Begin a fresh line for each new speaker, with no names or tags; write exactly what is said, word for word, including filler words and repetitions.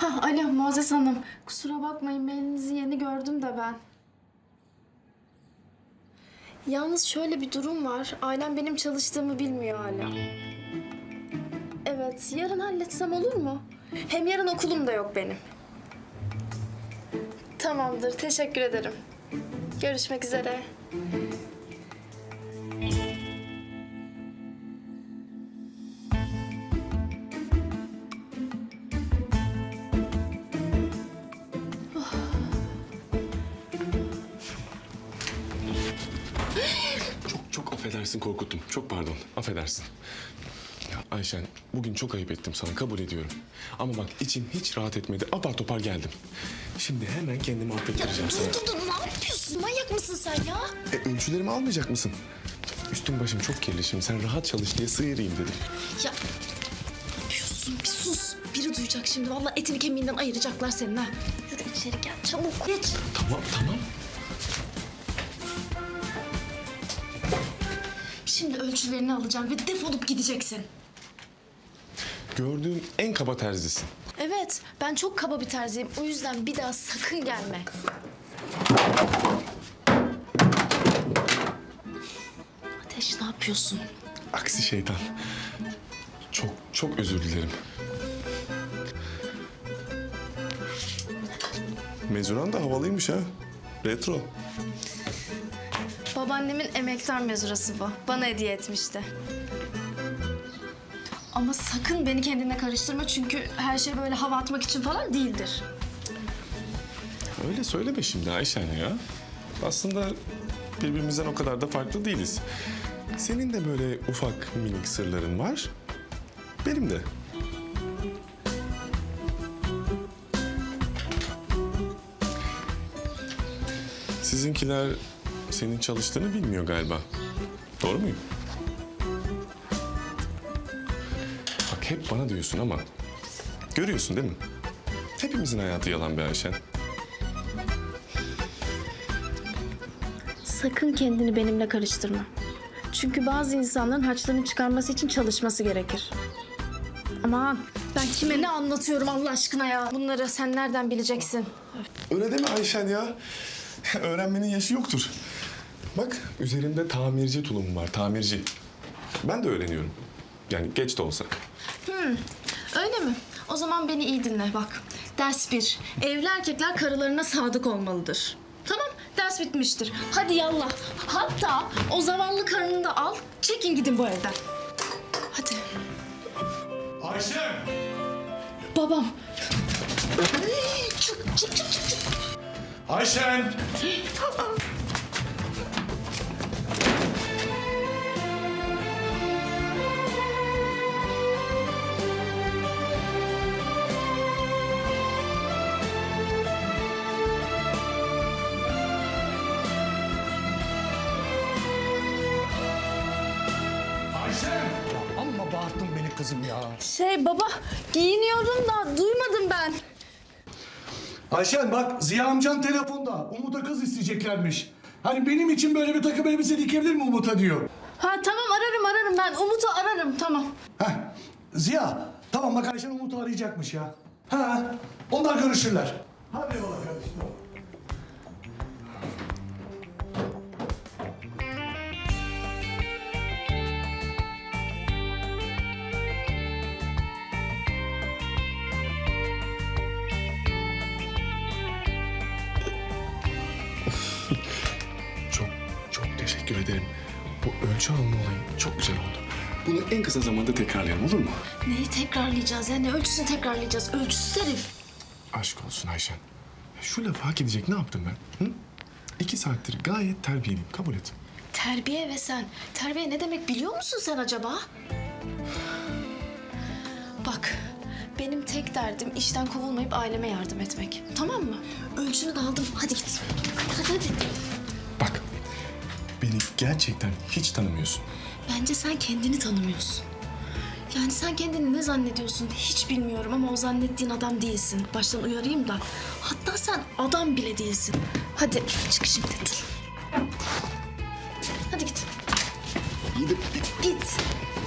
Ha, alo Muazzez Hanım. Kusura bakmayın, mailinizi yeni gördüm de ben. Yalnız şöyle bir durum var. Ailem benim çalıştığımı bilmiyor hala. Evet, yarın halletsem olur mu? Hem yarın okulum da yok benim. Tamamdır, teşekkür ederim. Görüşmek üzere.
Çok çok affedersin, korkuttum. Çok pardon, affedersin. Ya Ayşen, bugün çok ayıp ettim sana, kabul ediyorum. Ama bak içim hiç rahat etmedi, apar topar geldim. Şimdi hemen kendimi affettireceğim sana.
Dur dur dur, ne yapıyorsun? Manyak mısın sen ya?
E, ölçülerimi almayacak mısın? Üstüm başım çok kirli şimdi, sen rahat çalış diye sıyırayım dedim.
Ya ne yapıyorsun? Bir sus. Biri duyacak şimdi. Vallahi etini kemiğinden ayıracaklar senin ha. Yürü içeri gel çabuk. Geç.
Tamam, tamam.
Şimdi ölçülerini alacağım ve defolup gideceksin.
Gördüğüm en kaba terzisin.
Evet, ben çok kaba bir terziyim. O yüzden bir daha sakın gelme. Ateş, ne yapıyorsun?
Aksi şeytan. Çok çok özür dilerim. Mezuran da havalıymış ha. Retro.
Babaannemin emektar mezurası bu. Bana hediye etmişti. Ama sakın beni kendine karıştırma çünkü her şey böyle hava atmak için falan değildir.
Öyle söyleme şimdi Ayşen ya. Aslında birbirimizden o kadar da farklı değiliz. Senin de böyle ufak minik sırların var. Benim de. Sizinkiler senin çalıştığını bilmiyor galiba. Doğru muyum? Bak hep bana diyorsun ama görüyorsun değil mi? Hepimizin hayatı yalan be Ayşen.
Sakın kendini benimle karıştırma. Çünkü bazı insanların harçlarını çıkarması için çalışması gerekir. Aman ben kime ne anlatıyorum Allah aşkına ya? Bunları sen nereden bileceksin?
Öyle deme Ayşen ya. Öğrenmenin yaşı yoktur. Bak üzerimde tamirci tulumum var, tamirci. Ben de öğreniyorum. Yani geç de olsa.
Öyle mi? O zaman beni iyi dinle bak. Ders bir. Evli erkekler karılarına sadık olmalıdır. Tamam, ders bitmiştir. Hadi yallah. Hatta o zavallı karını da al, çekin gidin bu evden. Hadi.
Ayşe!
Babam. Çık, çık, çık, çık, çık.
Ayşen! Ayşen!
Ya amma bağırttın beni kızım ya.
Şey baba, giyiniyorum da duymadım ben.
Ayşen bak Ziya amcan telefonda. Umut'a kız isteyeceklermiş. Hani benim için böyle bir takım elbise dikebilir mi Umut'a diyor.
Ha tamam ararım ararım ben. Umut'u ararım tamam.
Heh. Ziya tamam bak Ayşen Umut'u arayacakmış ya. Ha onlar görüşürler. Hadi yola kardeşim.
Çok çok teşekkür ederim. Bu ölçü alma olayı çok güzel oldu. Bunu en kısa zamanda tekrarlayalım olur mu?
Neyi tekrarlayacağız ya? Ne ölçüsünü tekrarlayacağız? Ölçüsüz herif.
Aşk olsun Ayşen. Ya şu lafı hak edecek ne yaptım ben? Hı? İki saattir gayet terbiyeliyim. Kabul et.
Terbiye ve sen. Terbiye ne demek biliyor musun sen acaba? Bak, benim tek derdim işten kovulmayıp aileme yardım etmek. Tamam mı? Ölçünü de aldım. Hadi git. Hadi hadi hadi.
Bak, beni gerçekten hiç tanımıyorsun.
Bence sen kendini tanımıyorsun. Yani sen kendini ne zannediyorsun hiç bilmiyorum ama o zannettiğin adam değilsin. Baştan uyarayım da. Hatta sen adam bile değilsin. Hadi çık şimdi dur. Hadi git.
İyi de
Git.